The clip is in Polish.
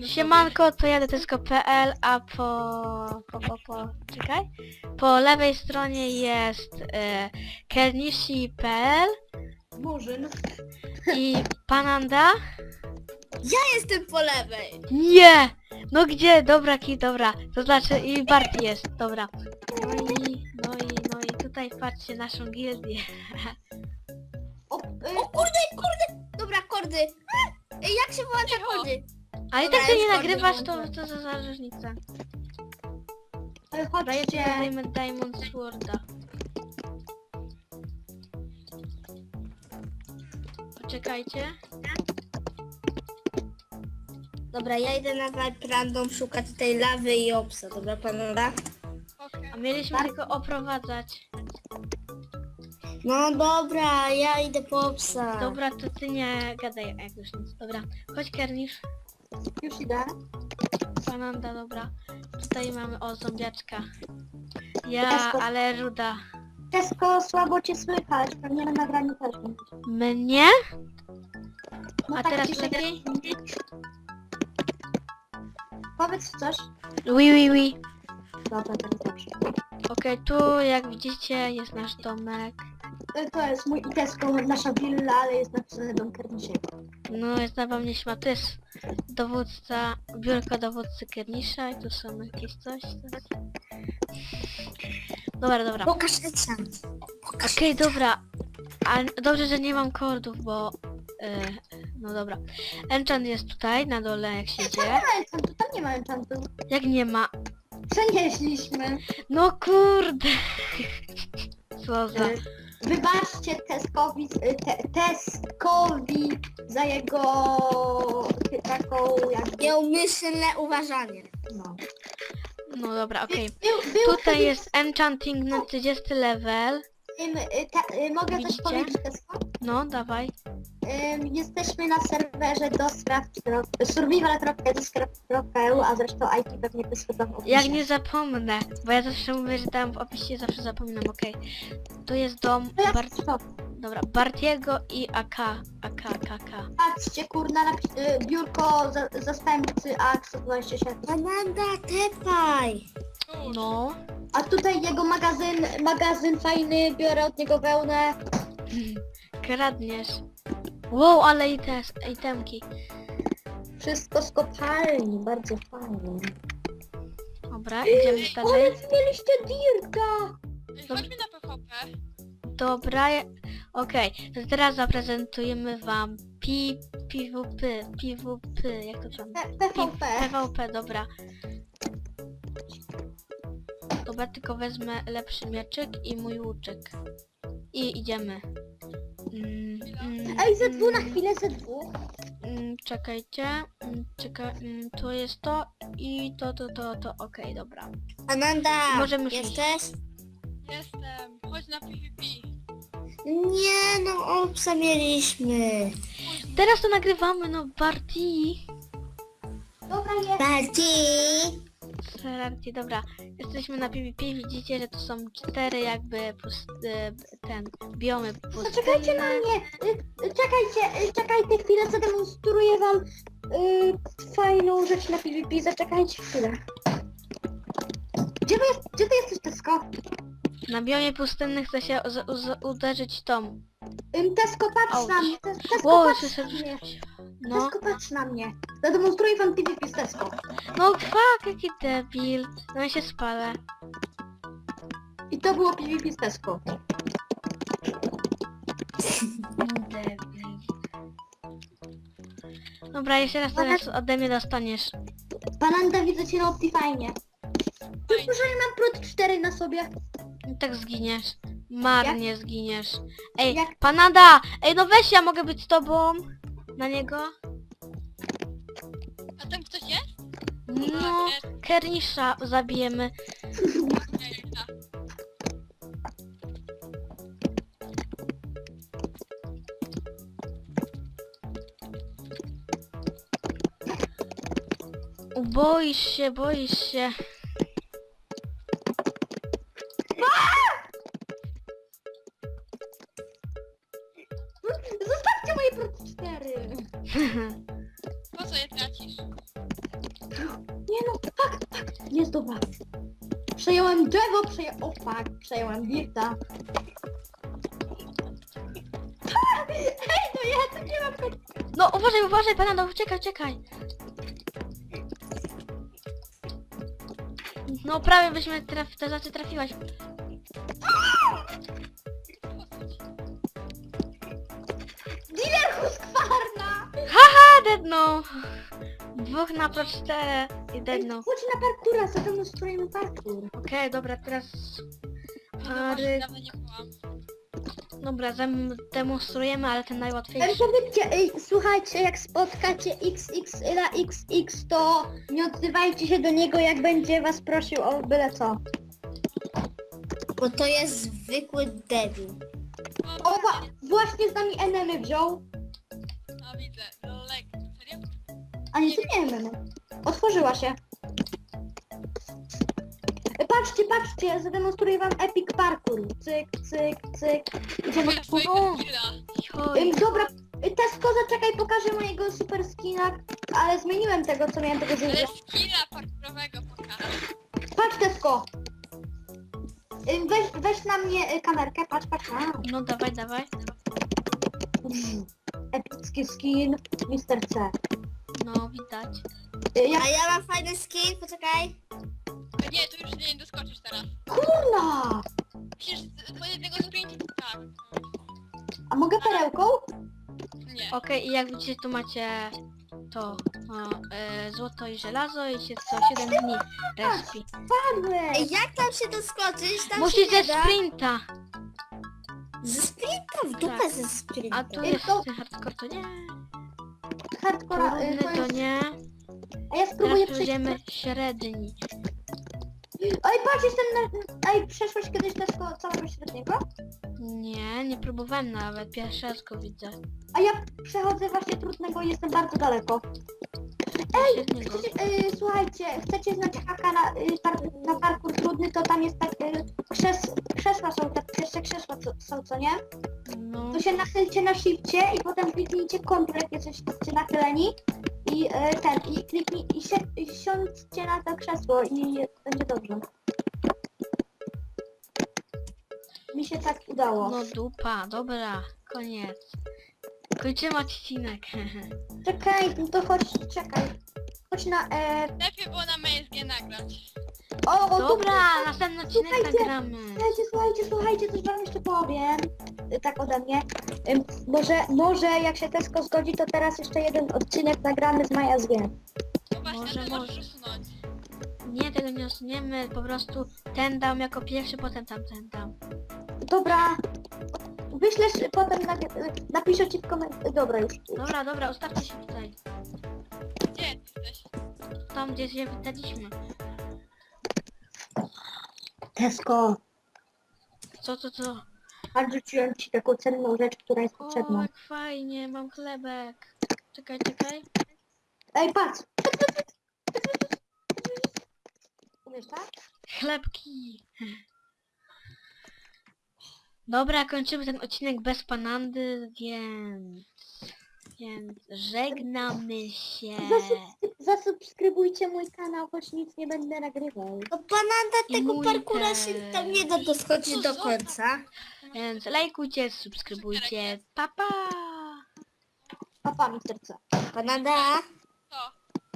Siemanko, to ja Detesko.pl, a czekaj. Po lewej stronie jest Kernishi.pl Murzyn. i Pananda. Ja jestem po lewej. Nie! No gdzie? Dobra, dobra. To znaczy i Bart jest, dobra. No i tutaj patrzcie naszą gildię. O kurde. Dobra, kordy. Jak się włącza kordy? Ale i Dobra, tak ty już nie bardzo nagrywasz, włączę. to za różnica. Ale Dobra, ja ci chodźcie. dajmy Diamond Sworda. Poczekajcie. Dobra, ja idę na Vibe Random szukać tej lawy i obsa. Dobra, panowie? A mieliśmy tylko oprowadzać. No dobra, ja idę po obsa. Dobra, to ty nie gadaj jak już nic. Dobra, chodź Kernisz. Już idę. Pananda, dobra. Tutaj mamy, o, zombiaczka. Ja, ale ruda. Tesko, słabo cię słychać. Pewnie na nagraniu też będzie. Mnie? No A tak teraz ciszę. lepiej? Powiedz coś. Oui. Dobra, teraz dobrze. Okej, tu jak widzicie jest nasz domek. To jest mój i Tesko, nasza willa, ale jest napisane dom Kernishiego. No, jest na mnie śma. To jest dowódca, biurko dowódcy Kernisza i tu są jakieś coś. Dobra. Pokaż enchant. Okej, dobra. A dobrze, że nie mam kordów, bo... no dobra. Enchant jest tutaj, na dole, jak się Tam idzie. nie ma enchantu, tam nie ma enchantu. Jak nie ma? Przenieśliśmy. No kurde! Co za... Wybaczcie Teskowi za jego taką jak... Nieumyślne uważanie. No. No dobra, okej. Był Tutaj jest enchanting na 30 level. mogę Widzicie? coś powiedzieć, Tesko? No, dawaj. Jesteśmy na serwerze survival.eu, a zresztą IP pewnie wyświetlą w opisie. Jak nie zapomnę, bo ja zawsze mówię, że tam w opisie zawsze zapominam, okej. Tu jest dom To ja stop. Dobra, Bartiego i AK. Patrzcie, kurna, biurko zastępcy AX-27. Pananda, tepaj. No. A tutaj jego magazyn fajny, biorę od niego wełnę. Kradniesz. Wow, ale i te itemki. Wszystko z kopalni, bardzo fajnie. Dobra, idziemy Ale dalej. mieliście dirta! Chodźmy na PvP. Dobra, okej. To teraz zaprezentujemy wam PvP, jak to tam? PvP. PvP, dobra. Dobra, tylko wezmę lepszy mieczyk i mój łuczek. I idziemy. Ej, ze dwóch na chwilę, ze dwóch. Czekajcie. To jest to i to. Okej, dobra. Pananda, Możemy już jesteś? Jestem. Chodź na PvP. Nie, no obsa mieliśmy. Teraz to nagrywamy, no Barti. Dobra, jest. Bardziej. Serarcie, dobra. Jesteśmy na PvP, widzicie, że to są 4 jakby biomy pustynne. Zaczekajcie na mnie. Czekajcie chwilę, zademonstruję wam fajną rzecz na PvP. Zaczekajcie chwilę. Gdzie ty jesteś, Tesko? Na biomie pustynnych chce się uderzyć tą. Tesko, patrz Auć. na mnie. Tesko, Wow, patrz słyszę, na mnie. no. Tesko, patrz na mnie. Zademonstruję wam PvP z Tesko. No fuck, jaki debil. No ja się spalę. I to było PvP z Tesko. Debil. Dobra, jeszcze raz teraz ode mnie dostaniesz. Pananda, widzę cię na Optifine. Tylko, że nie mam prot 4 na sobie. I tak zginiesz. Marnie zginiesz. Ej, Jak- Panada! Ej, no weź, ja mogę być z tobą. Na niego? A tam ktoś jest? No, Kernisza zabijemy. Nie. Boisz się. Zostawcie moje prot 4. Po co je tracisz? Nie no, fakt. Jest dobra. Przejąłem drzewo, przejąłem dirta. Ej, no ja tu nie mam końca. No uważaj, Panando, uciekaj. No prawie byśmy to znaczy trafiłaś. Dealer Husqvarna! Haha, dedno! 2 na pro 4 i dedno. Chodź na parkura, zademonstrujemy parkour. Okej, dobra, teraz... No Pary... właśnie, dawno nie byłam. Dobra, demonstrujemy, ale ten najłatwiejszy. Powiedzcie, słuchajcie, jak spotkacie XX na XX, to nie odzywajcie się do niego, jak będzie was prosił o byle co. Bo to jest zwykły debil. No, Właśnie z nami enemy wziął. no widzę. Lek, serio? A nie, to nie enemy. Otworzyła się. Patrzcie, zademonstruję wam epic parkour. Cyk. Idziemy. O! Oj, Dobra, Tesco, zaczekaj, pokażę mojego super skina, ale zmieniłem tego, co miałem tego Ale zużyć. skilla parkurowego pokażę. Patrz, Tesco. Weź na mnie kamerkę, patrz. no dawaj. Epicki skin, Mr. C. No, widać. Jak A ja mam fajny skin, poczekaj. Nie, tu już nie doskoczysz teraz. kurna! Musisz po jednego sprintu, tak. A mogę perełką? Nie. Okej, i jak widzicie, tu macie to złoto i żelazo i się co 7 dni respi. Padłeś! Ej, jak tam się doskoczyć? Tam się Musisz nie ze da. sprinta! Ze sprinta, w dupę Tak. ze sprinta. A tu Ej, jest to- ten hardcore, to nie. Hardcore, Trudny to to jest... nie. A ja Teraz spróbuję przejść... przejdziemy średni. Ej, patrz, jestem na... Ej, przeszłeś kiedyś Tesco całego średniego? Nie próbowałem nawet, pierwszy raz go widzę. A ja przechodzę właśnie trudnego i jestem bardzo daleko. Średniego. Słuchajcie, chcecie znać haka na parkour trudny, to tam jest tak... krzesła są, tak pierwsze krzesła są, co nie? No, To się nachylcie na shifcie i potem kliknijcie Ctrl, jak jesteście nachyleni i kliknij i siądźcie na to krzesło i będzie dobrze. Mi się tak udało. no dupa, dobra, koniec. Kończymy odcinek. Czekaj, no to czekaj. Chodź na... Lepiej było na MSG nagrać. O, Dobra, następny odcinek Słuchajcie, nagramy. Słuchajcie, coś wam jeszcze powiem. Tak ode mnie. Może jak się Tesco zgodzi, to teraz jeszcze jeden odcinek nagramy z Maja z G. No właśnie, Może, to może. możesz usunąć. Nie, tego nie usuniemy, po prostu ten dam jako pierwszy, potem tamten dam. Dobra. Wyślesz potem, napiszę ci w komentarzu. Dobra, już. Dobra, ustawcie się tutaj. Gdzie ty jesteś? Tam, gdzie się witaliśmy. Tesco, Co? a rzuciłem ci taką cenną rzecz, która jest O, potrzebna. jak fajnie, mam chlebek. Czekaj. Ej, patrz! Umiesz tak? Chlebki. Dobra, kończymy ten odcinek bez Panandy, więc żegnamy się. Zasubskrybujcie mój kanał, choć nic nie będę nagrywał. No Pananda I tego mój parkura też. się tam nie da doskoczyć do końca. Więc lajkujcie, subskrybujcie. Pa! Papa, Mr. C. Pananda. To.